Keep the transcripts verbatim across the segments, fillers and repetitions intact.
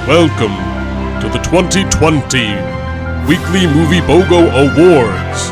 Welcome to the twenty twenty Weekly Movie BOGO Awards.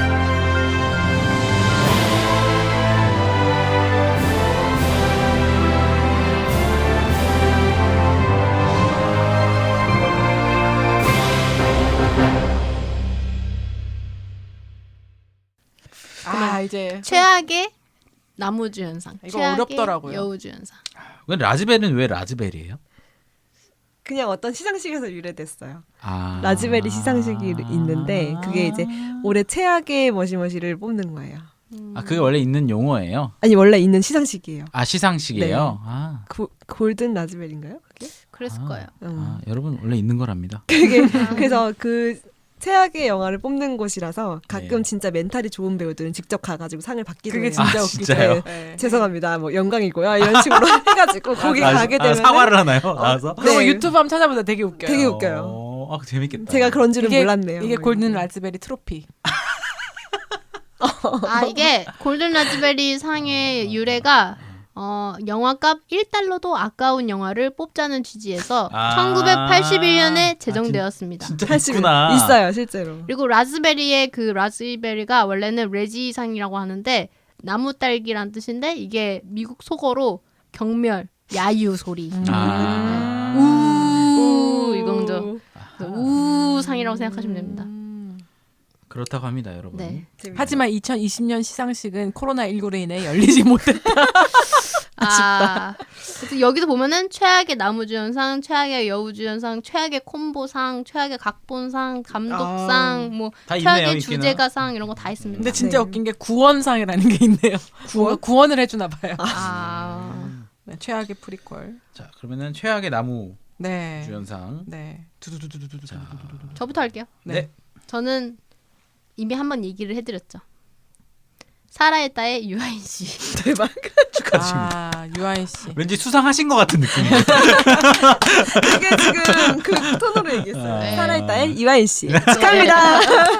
아 이제 최악의 나무주연상, 이거 최악의 어렵더라고요. 여우주연상. 왜 라즈베리는 왜 라즈베리예요? 그냥 어떤 시상식에서 유래됐어요. 아. 라즈베리 시상식이 있는데 그게 이제 올해 최악의 머시머시를 뽑는 거예요. 아 그게 원래 있는 용어예요? 아니 원래 있는 시상식이에요. 아 시상식이에요? 네. 아. 고, 골든 라즈베리인가요? 그게? 그랬을 아. 거예요. 음. 아, 여러분 원래 있는 거랍니다. 그게 그래서 그 최악의 영화를 뽑는 곳이라서 가끔 네. 진짜 멘탈이 좋은 배우들은 직접 가가지고 상을 받기도 그게 해요. 진짜 아, 웃기죠. 진짜요? 네. 죄송합니다. 뭐 영광이고요. 이런 식으로 해가지고 거기 아, 가게 아, 되면 사과를 하나요? 나와서? 그리고 네. 유튜브 한번 찾아보다 되게 웃겨요. 되게 웃겨요. 어, 아 재밌겠다. 제가 그런 줄은 이게, 몰랐네요. 이게 뭐 골든 이렇게. 라즈베리 트로피. 아 이게 골든 라즈베리 상의 유래가 어, 영화값 일 달러도 아까운 영화를 뽑자는 취지에서 아. 천구백팔십일 년에 제정되었습니다. 진짜 팔십 있구나. 있어요 실제로. 그리고 라즈베리의 그 라즈베리가 원래는 레지상이라고 하는데 나무 딸기란 뜻인데 이게 미국 속어로 경멸, 야유 소리. 아. 우 이거죠. 우 상이라고 생각하시면 됩니다. 음. 그렇다고 합니다, 여러분. 네. 하지만 이천이십 년 시상식은 코로나십구로 인해 열리지 못했다. 아, 그래서 여기서 보면은 최악의 나무주연상, 최악의 여우주연상, 최악의 콤보상, 최악의 각본상, 감독상, 뭐 다 있네요, 최악의 있기는. 주제가상 이런 거 다 있습니다. 근데 진짜 네. 웃긴 게 구원상이라는 게 있네요. 구원? 구원을 해주나 봐요. 아, 네, 최악의 프리퀄. 자, 그러면은 최악의 나무 네. 주연상. 네. 두두두두두두. 자, 저부터 할게요. 네. 저는 이미 한번 얘기를 해드렸죠. 사라의 딸의 유아인 씨. 대박. 축하드립니다. 아 유아인 씨. 왠지 수상하신 것 같은 느낌이에요. 그게 지금 그 톤으로 얘기했어요. 네. 살아있다의 이화인 씨. 축하합니다.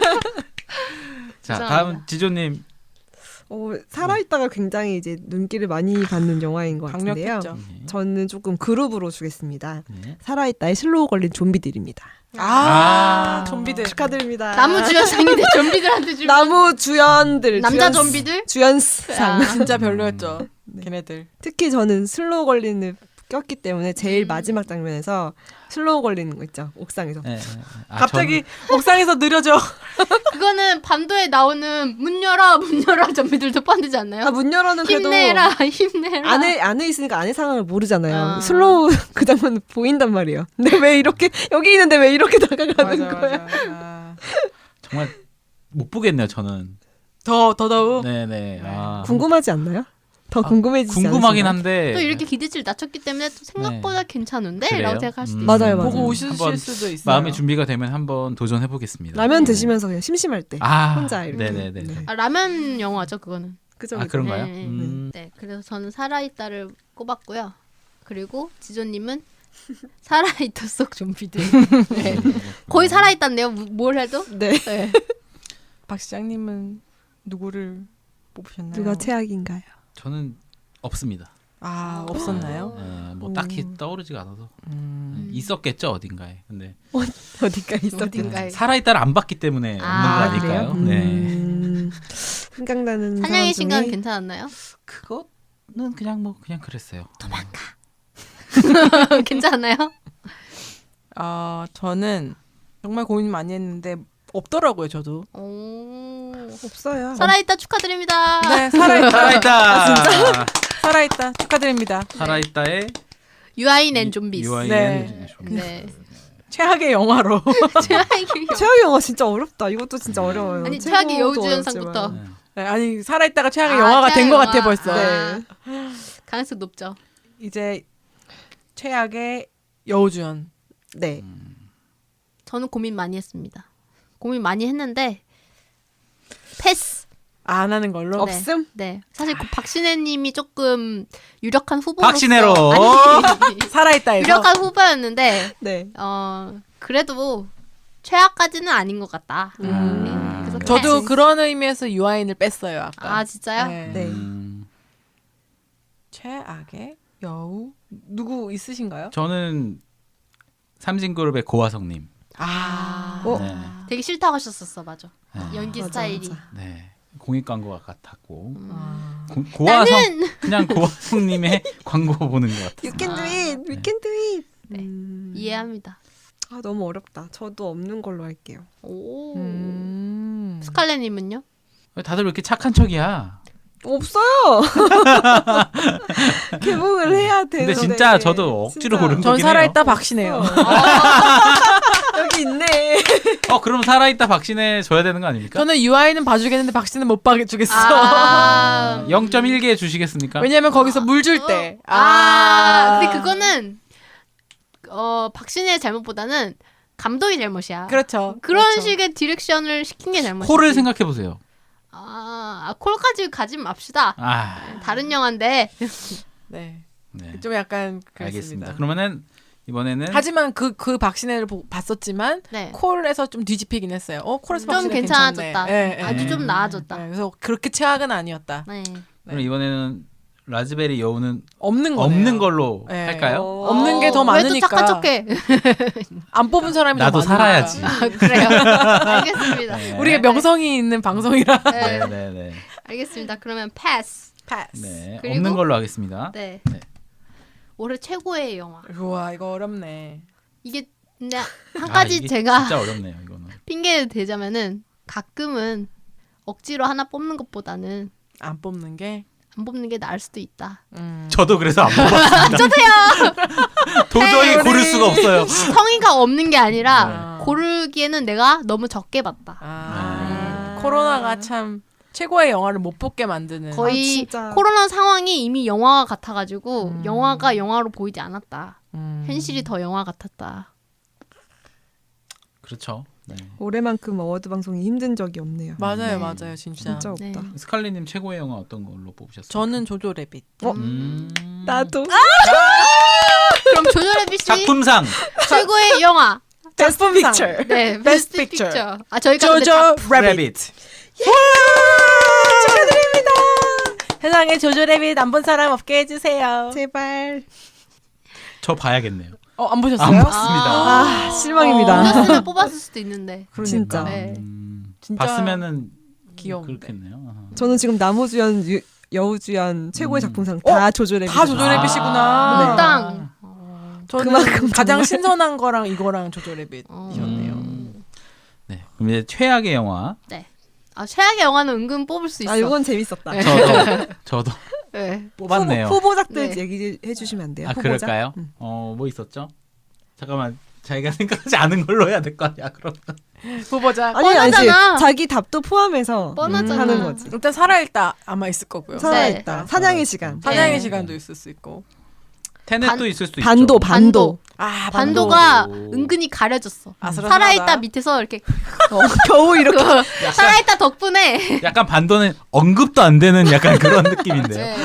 자, 죄송합니다. 다음 지조님. 어, 살아있다가 굉장히 이제 눈길을 많이 받는 영화인 것 같은데요. 강력했죠. 저는 조금 그룹으로 주겠습니다. 네. 살아있다의 슬로우 걸린 좀비들입니다. 아, 아. 좀비들. 축하드립니다. 나무주연상인데 좀비들한테 줄 나무 주연들. 남자 주연- 좀비들? 주연상. 아. 진짜 별로였죠. 걔네들. 특히 저는 슬로우 걸린을 꼈기 때문에 제일 마지막 장면에서 슬로우 걸리는 거 있죠. 옥상에서. 네. 아, 갑자기 옥상에서 느려져. 그거는 반도에 나오는 문 열어 문 열어 좀비들도 뻔되지 않나요? 아, 문 열어는 그래도 힘내라 힘내라. 안에 안에 있으니까 안에 상황을 모르잖아요. 아. 슬로우 그 장면 보인단 말이에요. 근데 왜 이렇게 여기 있는데 왜 이렇게 다가가는 맞아, 거야? 맞아. 아. 정말 못 보겠네요, 저는. 더 더더욱. 네네. 아, 궁금하지 않나요? 더 궁금해지지 궁금하긴 않으신가요? 한데. 또 이렇게 기대치를 낮췄기 때문에 또 생각보다 괜찮은데? 그래요? 라고 생각할 수도 음. 있어요. 맞아요, 맞아요. 보고 오실 한번 수도 있어요. 마음의 준비가 되면 한번 도전해 보겠습니다. 라면 드시면서 그냥 심심할 때 아, 혼자 이렇게. 네네네. 네. 아, 라면 영화죠 그거는. 그죠? 아, 그죠? 그런가요? 네. 음. 네, 그래서 저는 살아있다를 꼽았고요. 그리고 지조님은 살아있다 속 좀비들. 네. 거의 살아있다인데요. 무- 뭘 해도. 네. 네. 박 시장님은 누구를 뽑으셨나요? 누가 최악인가요? 저는 없습니다. 아 없었나요? 어, 뭐 오. 딱히 떠오르지가 않아서 음. 있었겠죠 어딘가에. 근데 어디가 있었 어딘가에. 살아있다를 안 봤기 때문에 아, 없는 거니까요. 그래요? 네. 음, 생각나는 사냥의 사람 시간 중에 괜찮았나요? 그거는 그냥 뭐 그냥 그랬어요. 괜찮나요? 아 저는 정말 고민 많이 했는데 없더라고요 저도. 오. 없어요. 살아있다 축하드립니다. 네 살아있다. 살아있다. 살아있다 축하드립니다. 살아있다의 유아인 앤 좀비스. 유아인 네. 네. 최악의 영화로. 최악의 최악의 영화 진짜 어렵다. 이것도 진짜 어려워요. 아니, 최악의 최고도 여우주연상부터. 어렵지만. 네, 아니 살아있다가 최악의 아, 영화가 된 최악의 것 같아 영화. 벌써. 아. 네. 가능성 높죠. 이제 최악의 여우주연. 네. 저는 고민 많이 했습니다. 고민 많이 했는데 패스. 안 하는 걸로. 없음? 네. 사실 그 박신혜님이 조금 유력한 후보로서 박신혜로. 아니, 살아있다에서. 유력한 후보였는데 네. 어 그래도 최악까지는 아닌 것 같다. 음. 네. 그래서 저도 패스. 그런 의미에서 유아인을 뺐어요 아까. 아 진짜요? 네. 네. 음, 최악의 여우 누구 있으신가요? 저는 삼진그룹의 고화성님. 아. 어? 네. 되게 싫다고 하셨었어, 맞아. 네. 연기 맞아, 스타일이. 맞아. 네. 공익 광고가 같았고 아. 고, 고화성 나는 그냥 고화성님의 광고 보는 것 같아요. You can do it. We 네. can do it. 네. 음. 이해합니다. 아 너무 어렵다. 저도 없는 걸로 할게요. 오. 음. 스칼렛님은요? 왜 다들 왜 이렇게 착한 척이야? 없어요. 개봉을 해야 돼. 근데 진짜 저도 억지로 고른 전 거긴 살아있다 박신혜요. 여기 있네. 어 그럼 살아있다 박신혜 줘야 되는 거 아닙니까? 저는 유아이는 봐주겠는데 박신혜는 못 봐주겠어. 아. 영 점 일 개 주시겠습니까? 왜냐면 거기서 물 줄 때. 아, 근데 그거는 어 박신혜의 잘못보다는 감독의 잘못이야. 그렇죠. 그런 그렇죠. 식의 디렉션을 시킨 게 잘못이지. 코를 생각해 보세요. 아, 아, 콜까지 가지 맙시다. 아, 다른 영화인데. 네. 네. 좀 약간 그랬습니다. 알겠습니다. 그러면은 이번에는 하지만 그 그 박신혜를 보, 봤었지만 네. 콜에서 좀 뒤집히긴 했어요. 어 콜에서 좀 박신혜 괜찮아졌다. 괜찮네. 예, 예. 아주 좀 나아졌다. 네, 그래서 그렇게 최악은 아니었다. 네. 그럼 이번에는 라즈베리 여우는 없는 거네요. 없는 걸로 네. 할까요? 어. 없는 게 더 왜 또 많으니까. 착한 척해? 안 뽑은 사람이 나도 더 많으니까. 살아야지. 아, 그래요. 알겠습니다. 네. 우리가 명성이 있는 방송이라. 네. 네, 네, 네. 알겠습니다. 그러면 패스. 패스. 네. 그리고- 없는 걸로 하겠습니다. 네. 네. 올해 최고의 영화. 우와 이거 어렵네. 이게 근데 한 아, 가지 이게 제가 진짜 어렵네요, 이거는. 핑계 대자면은 가끔은 억지로 하나 뽑는 것보다는 안 뽑는 게. 안 뽑는 게 나을 수도 있다. 음. 저도 그래서 안 뽑았습니다. 저도요. 도저히 네, 고를 수가 없어요. 성의가 없는 게 아니라 아. 고르기에는 내가 너무 적게 봤다. 아, 네. 코로나가 참 최고의 영화를 못 뽑게 만드는. 아, 거의 진짜. 코로나 상황이 이미 영화가 같아가지고 음. 영화가 영화로 보이지 않았다. 음. 현실이 더 영화 같았다. 그렇죠. 네. 올해만큼 어워드 방송이 힘든 적이 없네요. 맞아요, 네. 맞아요, 진짜. 진짜 네. 없다. 스칼리님 최고의 영화 어떤 걸로 뽑으셨어요? 저는 조조 래빗. 어? 음... 나도. 그럼 조조래비 씨 작품상 최고의 영화. 베스트 픽처. 네, Best 베스트 Picture. 픽처. 아 저희가 근데 조조 작- 래빗. 래빗. 축하드립니다. 세상에 조조 래빗 안 본 사람 없게 해주세요. 제발. 저 봐야겠네요. 어, 안 보셨어요? 안 봤습니다. 아, 실망입니다. 보셨으면 뽑았을 수도 있는데. 그러니까. 진짜. 네. 음, 진짜 봤으면은 귀여운데. 그렇겠네요. 아하. 저는 지금 나무주연, 유- 여우주연 최고의 음. 작품상 다 조조래. 다 조조 래빗이구나. 아. 몽땅. 저는 그만큼 가장 정말- 신선한 거랑 이거랑 조조 래빗. 어. 이었네요. 음. 네. 그럼 이제 최악의 영화. 아 최악의 영화는 은근 뽑을 수 있어. 아, 이건 재밌었다. 네. 저도 저도 네. 뽑았네요. 후보, 후보작들 네. 얘기해 주시면 안 돼요? 아 후보작? 그럴까요? 음. 어 뭐 있었죠? 잠깐만 자기가 생각하지 않은 걸로 해야 될 거 아니야 그럼. 후보자. 아니 아니지. 뻔하잖아. 자기 답도 포함해서 뻔하잖아. 하는 거지. 일단 살아있다 아마 있을 거고요. 살아있다. 네. 사냥의 시간. 사냥의 네. 시간도 있을 수 있고. 테넷도 반- 있을 수도 반도 있죠. 반도. 아 반도가 반도. 은근히 가려졌어. 아슬아슬하다. 살아있다 밑에서 이렇게 어, 겨우 이렇게. 살아있다 덕분에 약간 반도는 언급도 안 되는 약간 그런 느낌인데요. 네.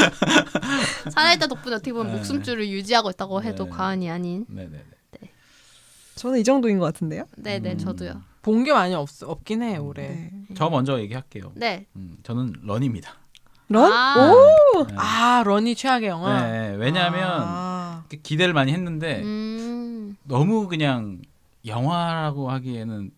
살아있다 덕분에 어떻게 보면 네. 목숨줄을 유지하고 있다고 해도 네. 과언이 아닌. 네네네. 저는 이 정도인 것 같은데요. 네네 음. 저도요. 본 게 많이 없 없긴 해 올해. 네. 저 먼저 얘기할게요. 네. 음, 저는 런입니다. 런? 아. 오. 네. 아 런이 최악의 영화. 네, 왜냐하면 아. 기대를 많이 했는데 음. 너무 그냥 영화라고 하기에는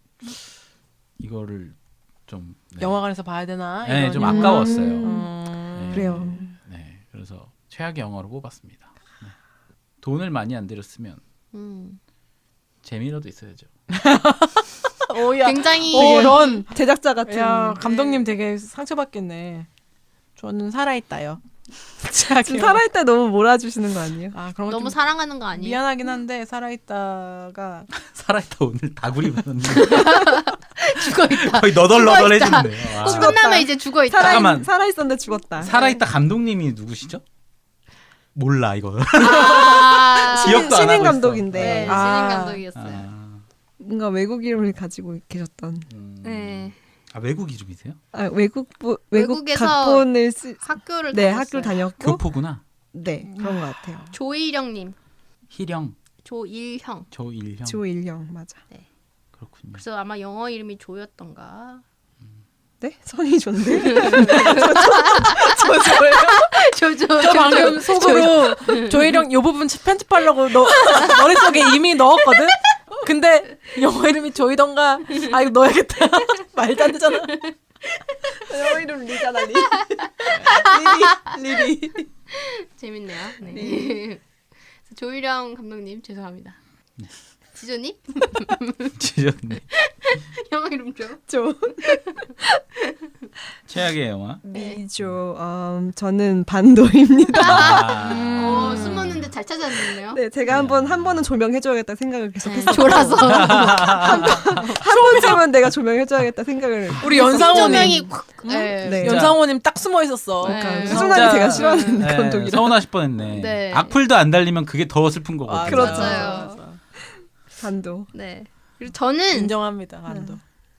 이거를 좀 네. 영화관에서 봐야 되나? 네, 이런 좀 영화. 아까웠어요. 음. 네. 그래요. 네, 그래서 최악의 영화로 뽑았습니다. 네. 돈을 많이 안 들였으면 음. 재미라도 있어야죠. 오야. 굉장히 오 런. 제작자 같은. 야 감독님 되게 상처받겠네. 저는 살아있다요. 지금 살아있다 너무 몰아주시는 거 아니에요? 아 그런 거 너무 좀 사랑하는 거 아니에요? 미안하긴 한데 살아있다가 살아있다 오늘 다구리 봤는데 죽어 있다. 거의 너덜너덜해지는데요. 아. 꼭 죽었다. 끝나면 이제 죽어 있다. 살아 잠깐만. 살아있었는데 죽었다. 살아있다 감독님이 누구시죠? 몰라 이거. 아, 기억도 안 신인 하고 감독인데 네, 신인 아. 감독이었어요. 아, 뭔가 외국 이름을 가지고 계셨던. 음. 네. 아 외국 이름이세요? 아, 외국 부, 외국 외국에서 각본을 쓰. 학교를 네, 다녔어요. 학교를 다녔고. 교포구나. 네, 그런 것 같아요. 조일형님, 희령, 조일형. 조일형. 조일령 맞아. 그렇군요. 그래서 아마 영어 이름이 조였던가. 네? 성이 좋은데? 조조 저 방금 속으로 조혜령 요 부분 편집하려고 너 머릿속에 이미 넣었거든. 근데 영어 이름이 조이던가 아 이거 넣어야겠다. 말도 안 되잖아. 영어 이름 리잖아 리. 리리 리리. 재밌네요. 네. 조유령 감독님 죄송합니다. 지조님? 지졌네. 영어 이름 줘. 저 최악의 영화. 미조. 음, 저는 반도입니다. 아. 어, 숨었는데 잘 찾아냈네요. 네, 제가 한번 한 번은 조명해줘야겠다 생각을 계속 네, 했어요. 졸아서 한 번쯤은 내가 조명해줘야겠다 생각을. 우리 연상호님 조명이 콱. 네. 네. 연상호님 딱 숨어 있었어. 네. 그러니까 진짜- 수준하게 제가 싫어하는 네, 감독이라. 서운하실 뻔했네. 네. 악플도 안 달리면 그게 더 슬픈 거거든요. 아, 그렇죠. 맞아요. 반도. 네. 그리고 저는 인정합니다. 안도.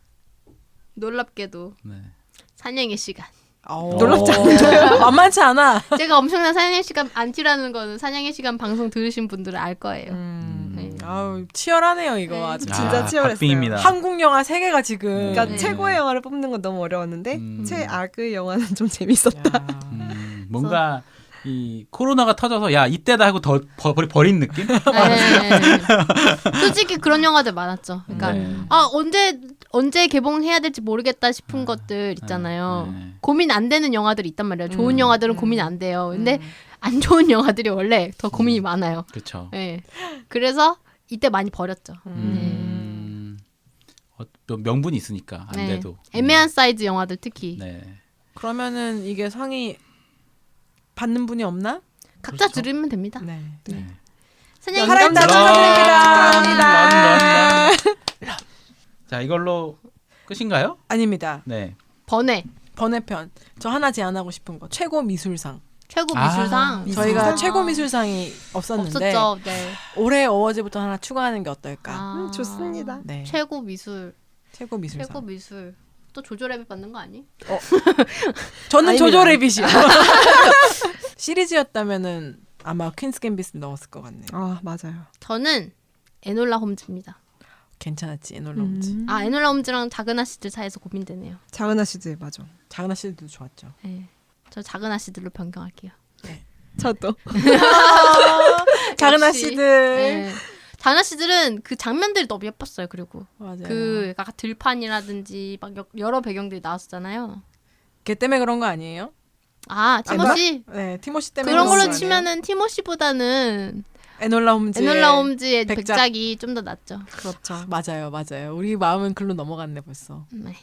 놀랍게도 네. 사냥의 시간. 놀랍지 않아요? 만만치 않아. 제가 엄청난 사냥의 시간 안티라는 거는 사냥의 시간 방송 들으신 분들은 알 거예요. 음. 네. 아우 치열하네요 이거 네. 아주. 진짜 아, 치열했어요. 박빙입니다. 한국 영화 세 개가 지금. 그러니까 네. 최고의 영화를 뽑는 건 너무 어려웠는데 음. 최악의 영화는 좀 재밌었다. 야. 음, 뭔가 이 코로나가 터져서 야 이때다 하고 더 버, 버린 느낌? 네. 솔직히 그런 영화들 많았죠. 그러니까 네. 아 언제 언제 개봉해야 될지 모르겠다 싶은 것들 있잖아요. 네. 고민 안 되는 영화들이 있단 말이에요. 좋은 음, 영화들은 음. 고민 안 돼요. 근데 음. 안 좋은 영화들이 원래 더 고민이 많아요. 그렇죠. 네. 그래서 이때 많이 버렸죠. 음, 어, 또 명분이 있으니까 안 네. 돼도 애매한 사이즈 영화들 특히 네. 그러면은 이게 상이 받는 분이 없나? 각자 그렇죠. 들으면 됩니다. 네. 네. 사냥의 살아있다 시간 축하드립니다. 자 이걸로 끝인가요? 아닙니다. 네. 번외 번외편. 저 하나 제안하고 싶은 거. 최고 미술상. 최고 아, 미술상 미술상. 저희가 아. 최고 미술상이 없었는데 없었죠. 네. 올해 어워즈부터 하나 추가하는 게 어떨까? 아. 음, 좋습니다. 네. 최고 미술 최고 미술상. 최고 미술 또 조조랩이 받는 거 아니? 저는 아닙니다. 조조 래빗이요. 시리즈였다면은 아마 퀸스 갬빗을 넣었을 것 같네요. 아 맞아요. 저는 에놀라 홈즈입니다. 괜찮았지 에놀라 홈즈. 음. 아 에놀라 홈즈랑 작은 아씨들 사이에서 고민되네요. 작은 아씨들 맞아. 작은 아씨들도 좋았죠. 네. 저 작은 아씨들로 변경할게요. 저도. 작은 역시. 아씨들. 네. 작은 아씨들은 그 장면들이 너무 예뻤어요. 그리고 맞아요. 그 약간 들판이라든지 막 여- 여러 배경들이 나왔었잖아요. 걔 때문에 그런 거 아니에요? 아 티모시 네, 티모시 때문에 그런 그런 걸로 거 아니에요? 치면은 티모시보다는 에놀라 홈즈. 에놀라 홈즈의 백작. 백작이 좀 더 낫죠. 그렇죠. 맞아요, 맞아요. 우리 마음은 글로 넘어갔네 벌써. 네.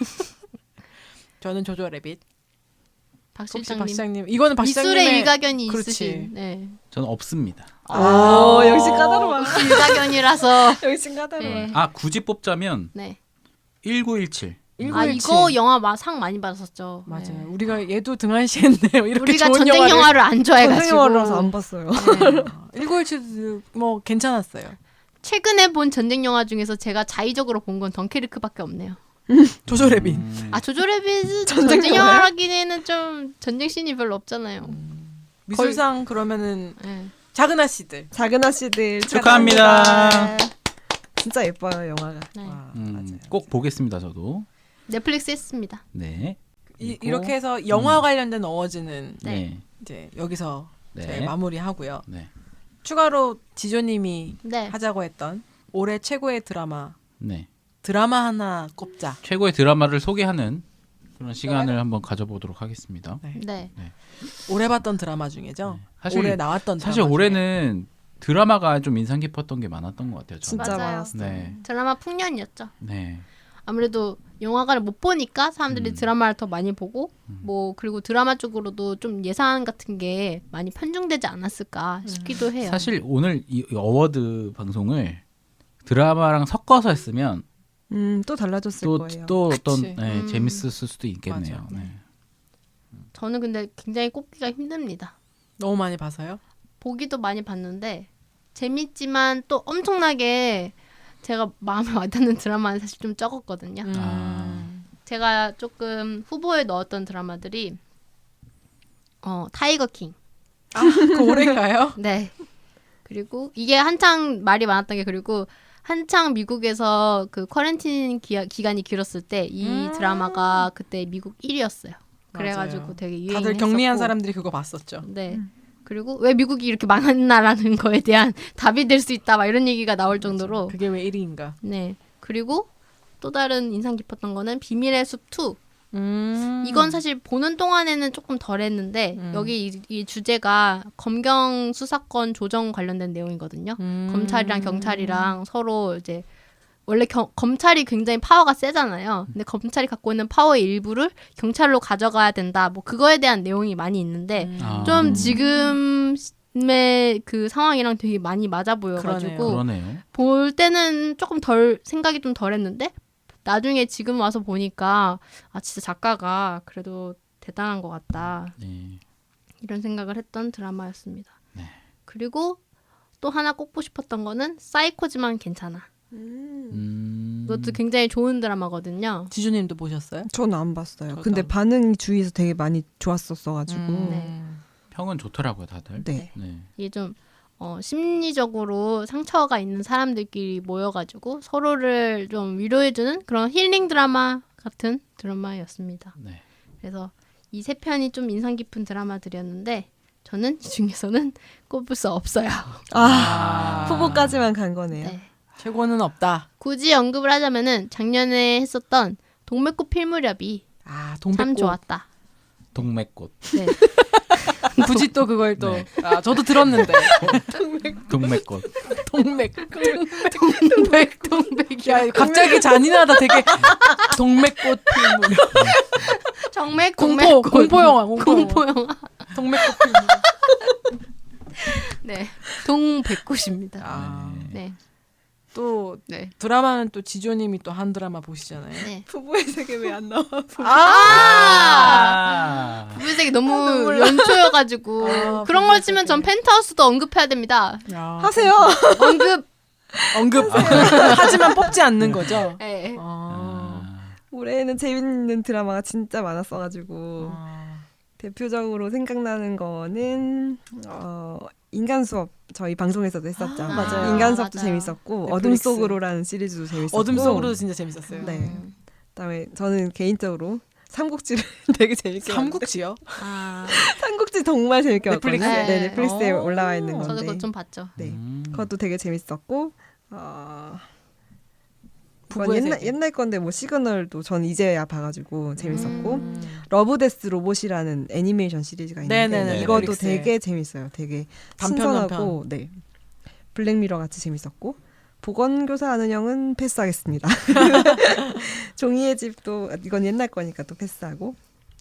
저는 조조 래빗. 박 혹시 실장님 박 시장님 이거는 박 미술의 시장님의 일가견이 그렇지. 있으신. 네. 저는 없습니다. 오 역시 까다로워. 역시 일가견이라서. 역시 까다로워. 네. 아 굳이 뽑자면 네. 천구백십칠. 아 이거 영화 마- 상 많이 받았었죠. 맞아요. 네. 우리가 얘도 등한시했네요. 이렇게 우리가 좋은 전쟁 영화를. 영화를 안 전쟁 좋아해가지고. 영화라서 안 봤어요. 네. 천구백십칠 뭐 괜찮았어요. 최근에 본 전쟁 영화 중에서 제가 자의적으로 본 건 덩케르크밖에 없네요. 조조 래빗. 음, 아 조조레빗은 전쟁 전쟁, 영화예요? 영화라기에는 좀 전쟁 씬이 별로 없잖아요. 미술상 그러면은 네. 작은 아씨들. 작은 아씨들 축하합니다. 진짜 예뻐요 영화가. 네. 와, 음, 맞아요. 꼭 보겠습니다 저도. 넷플릭스 했습니다. 네. 이, 그리고- 이렇게 해서 영화 관련된 어워즈는 네. 네. 이제 여기서 네. 저희 마무리하고요. 네. 추가로 지조님이 네. 하자고 했던 올해 최고의 드라마 네. 드라마 하나 꼽자. 최고의 드라마를 소개하는 그런 시간을 한번 가져보도록 하겠습니다. 네. 네. 올해 봤던 드라마 중에죠. 네. 사실- 올해 나왔던 사실 드라마 중에. 올해는 드라마가 좀 인상 깊었던 게 많았던 것 같아요. 저는. 진짜 맞아요. 많았어요. 네. 드라마 풍년이었죠. 네. 아무래도 영화관을 못 보니까 사람들이 음. 드라마를 더 많이 보고 뭐 그리고 드라마 쪽으로도 좀 예산 같은 게 많이 편중되지 않았을까 싶기도 해요. 사실 오늘 이 어워드 방송을 드라마랑 섞어서 했으면 음또 달라졌을 또, 거예요. 또 어떤 그치. 네, 음. 재밌었을 수도 있겠네요. 맞아. 네. 저는 근데 굉장히 꼽기가 힘듭니다. 너무 많이 봐서요. 보기도 많이 봤는데 재밌지만 또 엄청나게 제가 마음에 와닿는 드라마는 사실 좀 적었거든요. 음. 아. 제가 조금 후보에 넣었던 드라마들이 어 타이거 킹. 아, 그 올해인가요? 네. 그리고 이게 한창 말이 많았던 게 그리고 한창 미국에서 그 쿼런틴 기, 기간이 길었을 때 이 음. 드라마가 그때 미국 일 위였어요. 그래가지고 맞아요. 되게 유행했었고. 다들 격리한 사람들이 그거 봤었죠. 네. 그리고 왜 미국이 이렇게 망했나라는 거에 대한 답이 될 수 있다 막 이런 얘기가 나올 정도로. 그게 왜 일 위인가? 네. 그리고 또 다른 인상 깊었던 거는 비밀의 숲 투. 음. 이건 사실 보는 동안에는 조금 덜했는데 음. 여기 이, 이 주제가 검경 수사권 조정 관련된 내용이거든요. 음. 검찰이랑 경찰이랑 서로 이제 원래 겨, 검찰이 굉장히 파워가 세잖아요. 근데 검찰이 갖고 있는 파워의 일부를 경찰로 가져가야 된다. 뭐 그거에 대한 내용이 많이 있는데 음. 아. 좀 지금의 그 상황이랑 되게 많이 맞아 보여가지고 그러네요. 볼 때는 조금 덜 생각이 좀 덜했는데 나중에 지금 와서 보니까 아 진짜 작가가 그래도 대단한 것 같다 네. 이런 생각을 했던 드라마였습니다. 네. 그리고 또 하나 꼽고 싶었던 거는 사이코지만 괜찮아. 음. 이것도 굉장히 좋은 드라마거든요. 지주님도 보셨어요? 저는 안 봤어요. 저도 근데 안 반응이 주위에서 되게 많이 좋았었어가지고. 음. 네. 평은 좋더라고요, 다들. 네. 네. 이게 좀 어, 심리적으로 상처가 있는 사람들끼리 모여가지고 서로를 좀 위로해주는 그런 힐링 드라마 같은 드라마였습니다. 네. 그래서 이 세 편이 좀 인상 깊은 드라마들이었는데 저는 이 중에서는 꼽을 수 없어요. 아, 후보까지만 간 거네요. 네. 최고는 없다. 굳이 언급을 하자면은 작년에 했었던 동맥꽃 필무렵이 아, 참 동백꽃. 좋았다. 동맥꽃. 네. 굳이 또 그걸 또. 네. 아, 저도 들었는데. 동맥꽃. 동맥. 동맥 동맥 야, 갑자기 잔인하다. 되게 동맥꽃 필무. 정맥 공포, 동맥꽃. 공포 영화, 공포 영화. 공포 영화. 동맥꽃 필무. 네. 동백꽃입니다. 아, 네. 또 네. 드라마는 또 지조님이 또 한 드라마 보시잖아요. 네. 부부의 세계 왜 안 나와? 아! 아. 부부색이 너무 연초여가지고 아, 그런 걸 치면 전 펜트하우스도 언급해야 됩니다. 야, 하세요. 언급. 언급. 하지만 뽑지 않는 거죠. 네. 아. 아. 올해는 재밌는 드라마가 진짜 많았어가지고 아. 대표적으로 생각나는 거는 어, 인간 수업 저희 방송에서도 했었죠. 아, 맞아요. 인간 수업도 맞아요. 재밌었고 넷플릭스. 어둠 속으로라는 시리즈도 재밌었고 어둠 속으로도 진짜 재밌었어요. 네. 그다음에 저는 개인적으로 삼국지를 되게 재밌게 봤는데 삼국지요? 아, 삼국지 정말 재밌게 넷플릭스에? 봤거든요. 네, 넷플릭스에 오. 올라와 있는 저도 건데 그거 좀 봤죠. 네. 음. 그것도 되게 재밌었고 어, 그건 부부의 옛날, 세계. 옛날 건데 뭐 시그널도 전 이제야 봐가지고 재밌었고 음. 러브데스 로봇이라는 애니메이션 시리즈가 있는데 네네네, 이것도 넷플릭스에. 되게 재밌어요. 되게 단편, 신선하고 네 블랙미러 같이 재밌었고 보건교사 아는 형은 패스하겠습니다. 종이의 집도 이건 옛날 거니까 또 패스하고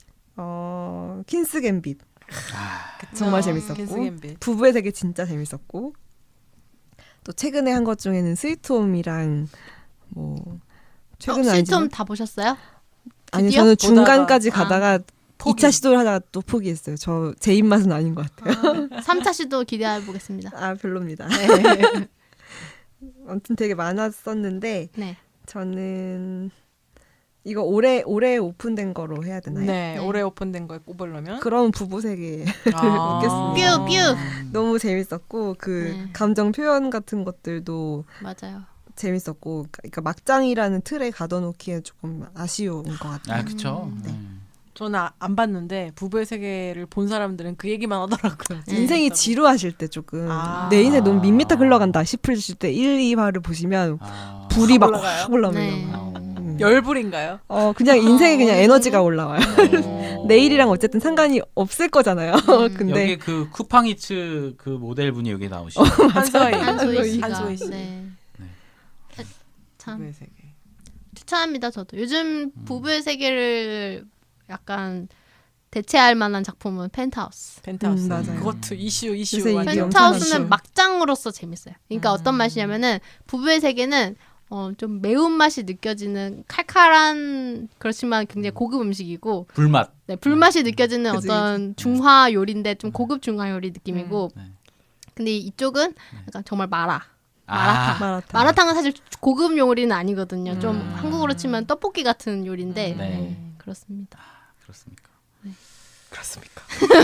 어 퀸스 갬빗 아. 정말 아, 재밌었고 퀸스 갬빗. 부부의 세계 진짜 재밌었고 또 최근에 한 것 중에는 스위트홈이랑 뭐 최근은 어, 아니지만 시점 다 보셨어요? 아니 드디어? 저는 중간까지 보다가. 가다가 포기. 이 차 시도를 하다가 또 포기했어요. 저 제 입맛은 아닌 것 같아요. 삼 차 시도 기대해 보겠습니다. 아 별로입니다. 네. 아무튼 되게 많았었는데 네. 저는 이거 올해 올해 오픈된 거로 해야 되나요? 네, 네. 올해 오픈된 거에 꼽으려면 그럼 부부 세계 아. 웃겼습니다. 뷰, 뷰. 너무 재밌었고 그 네. 감정 표현 같은 것들도 맞아요. 재밌었고 그러니까 막장이라는 틀에 가둬놓기에 조금 아쉬운 것 같아요. 아, 그쵸. 음, 네. 음. 저는 아- 안 봤는데 부부의 세계를 본 사람들은 그 얘기만 하더라고요. 네. 인생이 재밌다고. 지루하실 때 조금 아. 내 인생 너무 밋밋하게 흘러간다 싶으실 때 일, 이 화를 보시면 아. 불이 막 올라가요? 확 올라오는 네. 거예요. 어. 음. 열불인가요? 어 그냥 인생에 그냥 어, 에너지가 올라와요. 어. 내일이랑 어쨌든 상관이 없을 거잖아요. 음. 근데 여기 그 쿠팡이츠 그 모델 분이 여기 나오시죠. 한서희. 한소희 씨가. 한소희 씨. 네. 네. 아, 참 부부의 세계. 추천합니다. 저도 요즘 부부의 세계를 약간 대체할 만한 작품은 펜트하우스. 펜트하우스. 음, 맞아요. 그것도 이슈 이슈. 요새 완전. 이게 펜트하우스는 엄청나죠. 막장으로서 재밌어요. 그러니까 음. 어떤 맛이냐면은 부부의 세계는 어, 좀 매운 맛이 느껴지는 칼칼한 그렇지만 굉장히 고급 음식이고 불맛. 네, 불맛이 느껴지는 그치, 어떤 중화 요리인데 좀 고급 중화 요리 느낌이고 네. 근데 이쪽은 약간 정말 마라. 아. 마라탕. 마라탕은 사실 고급 요리는 아니거든요. 좀 음. 한국으로 치면 떡볶이 같은 요리인데 음. 네. 네, 그렇습니다. 그렇습니까? 그렇습니까?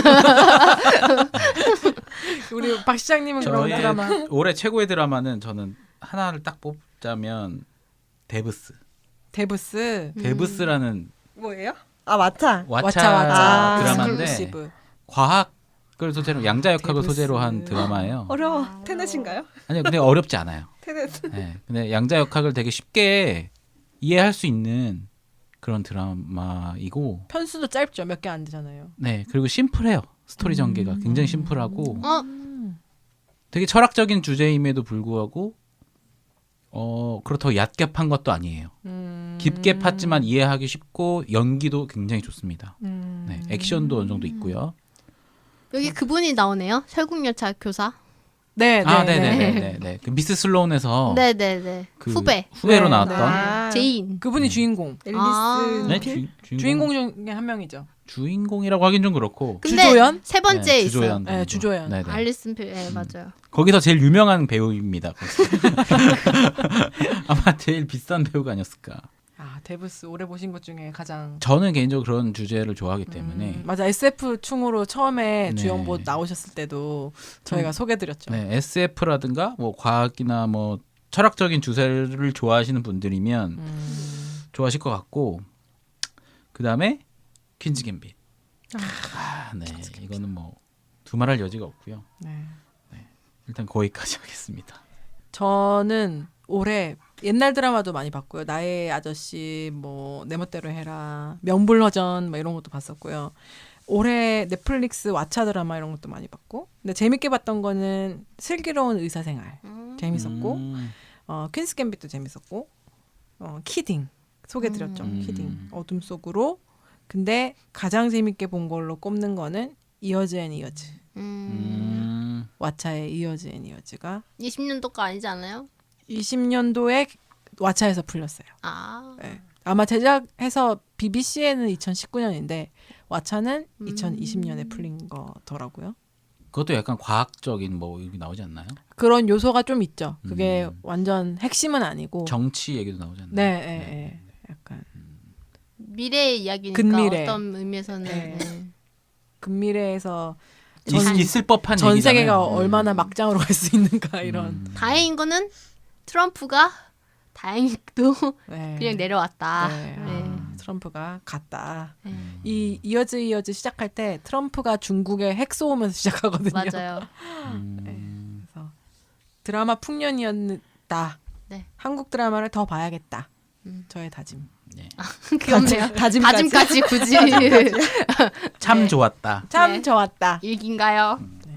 우리 박 시장님은 그런 저의 드라마 올해 최고의 드라마는 저는 하나를 딱 뽑자면 데브스. 데브스. 음. 데브스라는 뭐예요? 아 마차. 왓챠 왓챠 왓챠 드라마인데 익스클루시브. 과학을 소재로 양자역학을 데브스. 소재로 한 드라마예요. 어려워. 테넷인가요? 아니요, 근데 어렵지 않아요. 테넷. 네, 근데 양자역학을 되게 쉽게 이해할 수 있는 그런 드라마이고, 편수도 짧죠. 몇 개 안 되잖아요. 네, 그리고 심플해요. 스토리 전개가 굉장히 심플하고 어? 되게 철학적인 주제임에도 불구하고 어 그렇다고 얕게 판 것도 아니에요. 음. 깊게 팠지만 이해하기 쉽고 연기도 굉장히 좋습니다. 음. 네, 액션도 어느 정도 있고요. 여기 그분이 나오네요. 설국열차 교사. 네, 네, 아, 네. 네네네네. 그 미스 슬로운에서 네네네. 그 후배. 후배로 네, 나왔던 아, 제인. 그분이 주인공. 앨리스 아. 네, 필? 주, 주인공 주인공 중에 한 명이죠. 주인공이라고 하긴 좀 그렇고. 근데 주조연? 세 번째에 네, 있어요. 주조연 네, 정도. 주조연. 네네. 알리슨 필. 네, 맞아요. 거기서 제일 유명한 배우입니다. 아마 제일 비싼 배우가 아니었을까. 아, 데브스 오래 보신 것 중에 가장 저는 개인적으로 그런 주제를 좋아하기 때문에 음, 맞아. 에스에프 충으로 처음에 네. 주연보 나오셨을 때도 저희가 음. 소개드렸죠. 네, 에스에프라든가 뭐 과학이나 뭐 철학적인 주제를 좋아하시는 분들이면 음. 좋아하실 것 같고, 그 다음에 퀸즈 갬빗. 아, 네, 이거는 뭐 두말할 여지가 없고요. 네. 일단 거기까지 하겠습니다. 저는 올해 옛날 드라마도 많이 봤고요. 나의 아저씨, 뭐 내 멋대로 해라, 명불허전 뭐 이런 것도 봤었고요. 올해 넷플릭스 왓챠 드라마 이런 것도 많이 봤고, 근데 재밌게 봤던 거는 슬기로운 의사생활 재밌었고, 음, 어, 퀸스 갬빗도 재밌었고, 어, 키딩 소개드렸죠. 음. 키딩 어둠 속으로. 근데 가장 재밌게 본 걸로 꼽는 거는 이어즈 앤 이어즈. 음. 음, 왓챠의 이어즈 앤 이어즈가 이십 년도가 아니지 않아요? 이십 년도에 왓챠에서 풀렸어요. 아. 네. 아마 제작해서 비비씨에는 이천십구 년인데 왓챠는 음. 이천이십 년에 풀린 거더라고요. 그것도 약간 과학적인 뭐 여기 나오지 않나요? 그런 요소가 좀 있죠. 그게 음. 완전 핵심은 아니고. 정치 얘기도 나오지 않나요? 네, 네, 네. 약간 미래의 이야기니까 근미래. 어떤 의미에서는 네. 네. 근미래에서 있, 전- 있을 법한 전 얘기잖아요. 세계가 음. 얼마나 막장으로 갈 수 있는가 이런. 음. 다행인 거는 트럼프가 다행히도 네. 그냥 내려왔다. 네. 네. 아, 트럼프가 갔다. 네. 이 이어즈 이어즈 시작할 때 트럼프가 중국에 핵 쏘면서 시작하거든요. 맞아요. 음. 그래서 드라마 풍년이었다. 네. 한국 드라마를 더 봐야겠다. 음. 저의 다짐. 네. 귀엽네요. 다짐까지. 다짐까지 굳이 참 네. 좋았다. 참 네. 좋았다. 일기인가요?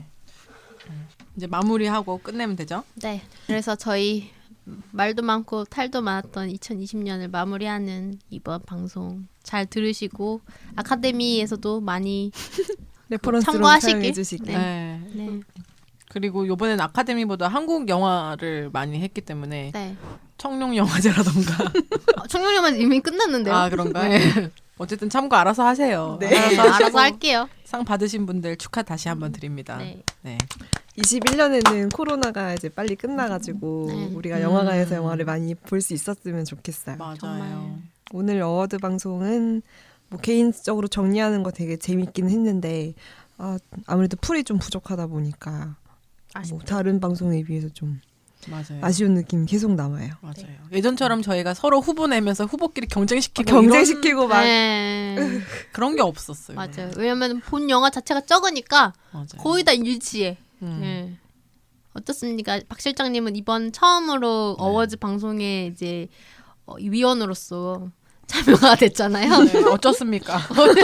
이제 마무리하고 끝내면 되죠? 네. 그래서 저희 말도 많고 탈도 많았던 이천이십 년을 마무리하는 이번 방송 잘 들으시고 아카데미에서도 많이 레퍼런스로 참고하시길. 사용해 주시길. 네. 네. 그리고 이번엔 아카데미보다 한국 영화를 많이 했기 때문에 네. 청룡 영화제라던가. 어, 청룡영화는 이미 끝났는데요. 아 그런가? 네. 어쨌든 참고 알아서 하세요. 네. 알아서, 알아서, 하시고 알아서 할게요. 상 받으신 분들 축하 다시 한번 드립니다. 네. 네. 이십일 년에는 코로나가 이제 빨리 끝나가지고 네. 우리가 음. 영화관에서 영화를 많이 볼 수 있었으면 좋겠어요. 맞아요. 정말. 오늘 어워드 방송은 뭐 개인적으로 정리하는 거 되게 재밌긴 했는데 아, 아무래도 풀이 좀 부족하다 보니까 뭐 다른 방송에 비해서 좀 맞아요. 아쉬운 느낌 계속 남아요. 맞아요. 예전처럼 저희가 서로 후보 내면서 후보끼리 경쟁시키고 경쟁시키고 막 네. 이런 그런 게 없었어요. 맞아요. 왜냐면 본 영화 자체가 적으니까 맞아요. 거의 다 일치해. 음. 네. 어떻습니까? 박 실장님은 이번 처음으로 네. 어워즈 방송에 이제 어, 위원으로서 참여가 됐잖아요. 네, 어쩌습니까?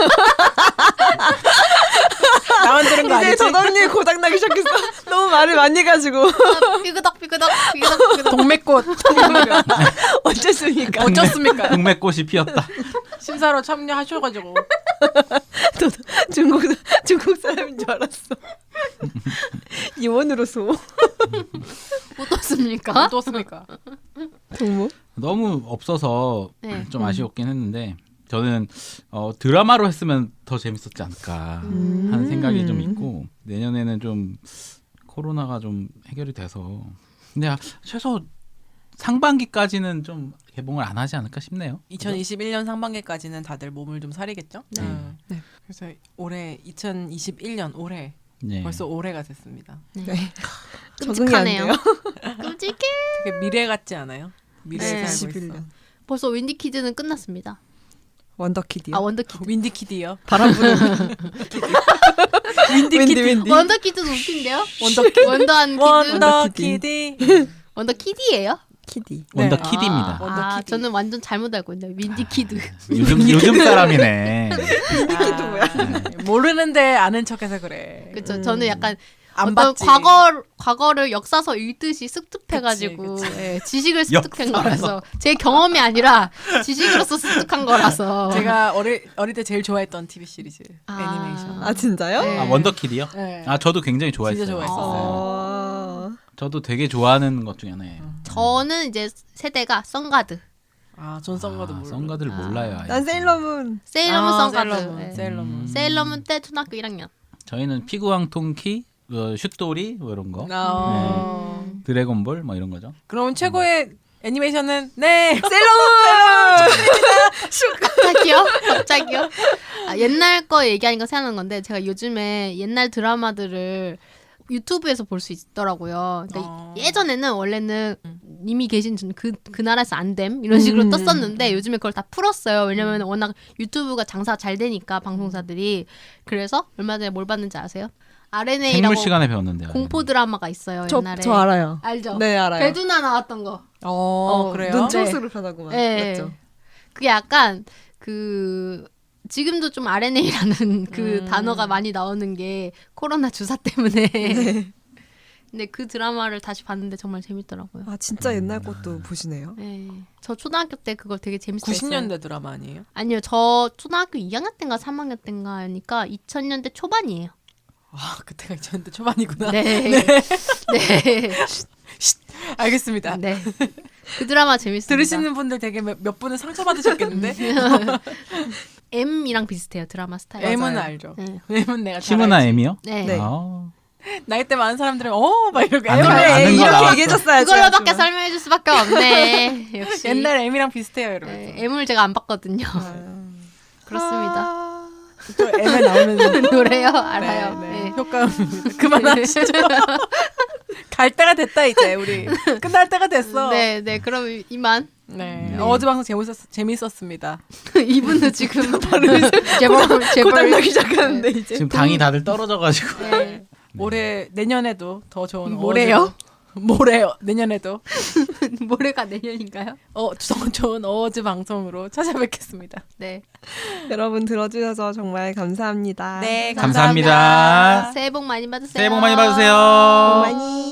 나만 들은 거 이제 아니지? 저당님 고장나기 시작했어. 너무 말을 많이 해가지고 삐그덕 삐그덕 삐그덕 삐그덕. 동맥꽃 어쨌습니까? 어쩌습니까? 동맥꽃이 피었다. 심사로 참여하셔가지고 중국 중국 사람인 줄 알았어. 이원으로서 어떻습니까? 어떻습니까? 동무. 너무 없어서 네. 좀 아쉬웠긴 했는데 저는 어, 드라마로 했으면 더 재밌었지 않을까 음. 하는 생각이 좀 있고, 내년에는 좀 코로나가 좀 해결이 돼서 근데 아, 최소 상반기까지는 좀 개봉을 안 하지 않을까 싶네요. 이천이십일 년 상반기까지는 다들 몸을 좀 사리겠죠? 네. 음. 네. 그래서 올해 이천이십일 년 올해 네. 벌써 올해가 됐습니다. 네. 끔찍하네요. 적응이 끔찍해. 되게 미래 같지 않아요? 미래에 네. 살고 이십일 있어. 년. 벌써 윈디 키즈는 끝났습니다. 원더키드요. 아 원더키드. 윈디키디요. 바람 부는 윈디키디. 윈디. 원더키드도 웃긴데요? 원더키디. 원더한 키드. 원더키디. 원더키디예요? 키디. 원더 네. 키드입니다. 아, 아, 원더키디. 저는 완전 잘못 알고 있네요. 윈디키드. 요즘 요즘 사람이네. 윈디키드 뭐야? 모르는데 아는 척해서 그래. 그렇죠. 음. 저는 약간 안 어떤 봤지. 과거 과거를 역사서 읽듯이 습득해가지고 그치, 예, 지식을 습득한 역사서. 거라서 제 경험이 아니라 지식으로서 습득한 거라서 제가 어릴 어릴 때 제일 좋아했던 티비 시리즈 아. 애니메이션. 아 진짜요? 네. 아 원더키드요? 네. 아 저도 굉장히 좋아했어요. 진짜 좋아했었어요. 어... 저도 되게 좋아하는 것 중에 하나예요. 저는 이제 세대가 선가드, 아, 존 썬거도 아, 몰라. 썬가드를 아. 몰라요. 아예. 난 세일러문. 세일러문 아, 선가드, 세일러문. 예. 세일러문. 음. 세일러문 때 초등학교 일 학년. 저희는 피구왕통키, 어, 슛돌이 뭐 이런 거, 어. 음. 드래곤볼 뭐 이런 거죠. 그럼 최고의 애니메이션은 네 갑자기요? 갑자기요? 아, 옛날 거 얘기하니까 생각난 건데 제가 요즘에 옛날 드라마들을 유튜브에서 볼 수 있더라고요. 그러니까 어. 예전에는 원래는 이미 계신 그, 그 나라에서 안 됨 이런 식으로 음. 떴었는데 요즘에 그걸 다 풀었어요. 왜냐면 워낙 유튜브가 장사가 잘 되니까 방송사들이. 그래서 얼마 전에 뭘 봤는지 아세요? 알엔에이라고 생물 시간에 배웠는데. 공포 드라마가 있어요. 저, 옛날에. 저 알아요. 알죠? 네 알아요. 배두나 나왔던 거. 어, 어, 그래요? 눈초스로 변하구만. 네. 맞죠? 그게 약간 그 지금도 좀 알엔에이라는 그 음. 단어가 많이 나오는 게 코로나 주사 때문에. 네. 근데 그 드라마를 다시 봤는데 정말 재밌더라고요. 아 진짜 옛날 것도 보시네요. 네. 저 초등학교 때 그걸 되게 재밌었어요. 구십 년대 드라마 아니에요? 아니요, 저 초등학교 이 학년 때인가 삼 학년 때인가 하니까 이천 년대 초반이에요. 아, 그때가 이천 년대 초반이구나. 네. 네. 알겠습니다. 네. 그 드라마 재밌습니다. 들으시는 분들 되게 몇, 몇 분은 상처받으셨겠는데? M이랑 비슷해요, 드라마 스타일. M은 맞아요. 알죠. 네. M은 내가 잘 시문아 알지. M이요? 네. 네. 아, 나이 때 많은 사람들은 어, 막 이러고 아는 M은 거- M. 아는 거 이렇게 나왔어. 얘기해줬어야지. 그걸로밖에 설명해 줄 수밖에 없네. 역시. 옛날 M이랑 비슷해요, 여러분. 네, M을 제가 안 봤거든요. 그렇습니다. 아, 또 M에 나오는 노래요? 알아요. 네, 네. 네. 효과음입니다. 그만하시죠. 갈 때가 됐다 이제 우리 끝날 때가 됐어. 네. 네, 네. 그럼 이만. 네. 어제 방송 재밌었 재밌었습니다. 이분도 지금 제발 제발 고장나기 시작하는데 이제. 지금 당이 다들 떨어져가지고. 네. 올해 내년에도 더 좋은 모레요? 어워즈- 모레요. 내년에도 모레가 내년인가요? 어, 더 좋은 어워즈 방송으로 찾아뵙겠습니다. 네. 여러분 들어주셔서 정말 감사합니다. 네, 감사합니다. 새해 복 많이 받으세요. 새해 복 많이 받으세요. 많이.